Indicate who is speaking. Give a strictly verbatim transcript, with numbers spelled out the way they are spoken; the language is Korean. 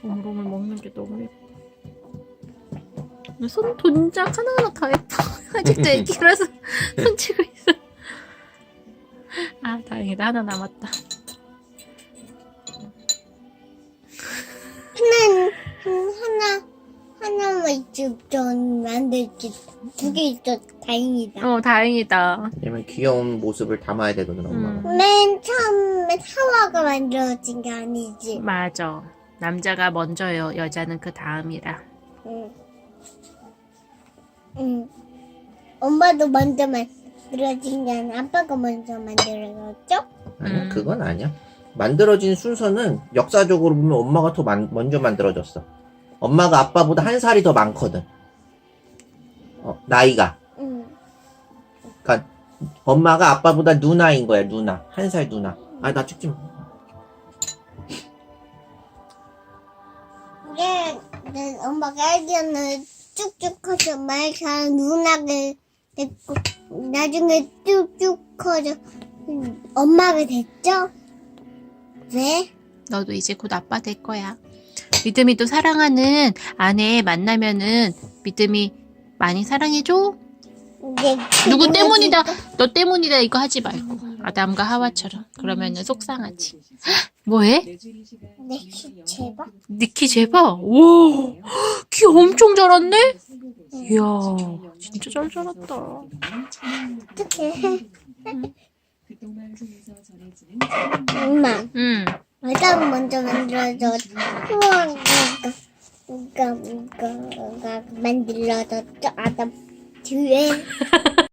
Speaker 1: 오물오물 먹는 게 너무 예뻐. 손 동작 하나하나 다 예뻐. 아직도 애기라서 손 치고 있어. 아 다행이다. 하나 남았다.
Speaker 2: 하나, 하나, 하나만 있어. 전 만들지. 두 개 있어. 다행이다.
Speaker 1: 어 다행이다.
Speaker 3: 왜냐면 귀여운 모습을 담아야 되거든, 엄마가.
Speaker 1: 음.
Speaker 2: 맨 처음에 하와가 만들어진 게 아니지.
Speaker 1: 맞아. 남자가 먼저요. 여자는 그 다음이라.
Speaker 2: 응. 응. 엄마도 먼저 만들어진 게 아니라 아빠가 먼저 만들어졌죠?
Speaker 3: 아니야,
Speaker 1: 음.
Speaker 3: 그건 아니야. 만들어진 순서는 역사적으로 보면 엄마가 더 만- 먼저 만들어졌어. 엄마가 아빠보다 한 살이 더 많거든. 어, 나이가.
Speaker 2: 응.
Speaker 3: 그러니까 엄마가 아빠보다 누나인 거야, 누나. 한 살 누나. 아, 나 찍지 마.
Speaker 2: 이게 내 엄마가 애기는 쭉쭉 커서 말 잘하는 누나가 됐고 나중에 쭉쭉 커서 음, 엄마가 됐죠? 왜?
Speaker 1: 너도 이제 곧 아빠 될 거야. 믿음이 또 사랑하는 아내 만나면은 믿음이 많이 사랑해줘.
Speaker 2: 이게
Speaker 1: 누구 때문이다. 너 때문이다 이거 하지 말고. 아담과 하와처럼. 그러면은 속상하지. 뭐해?
Speaker 2: 내 키 제발.
Speaker 1: 니키 제발. 오, 키 엄청 자랐네. 이야, 진짜 잘 자랐다.
Speaker 2: 어떡해. 엄마,
Speaker 1: 응.
Speaker 2: 아담 먼저 만들어줘. 우와, 이거, 이거, 이거, 이거 만들어졌죠? 아담 뒤에.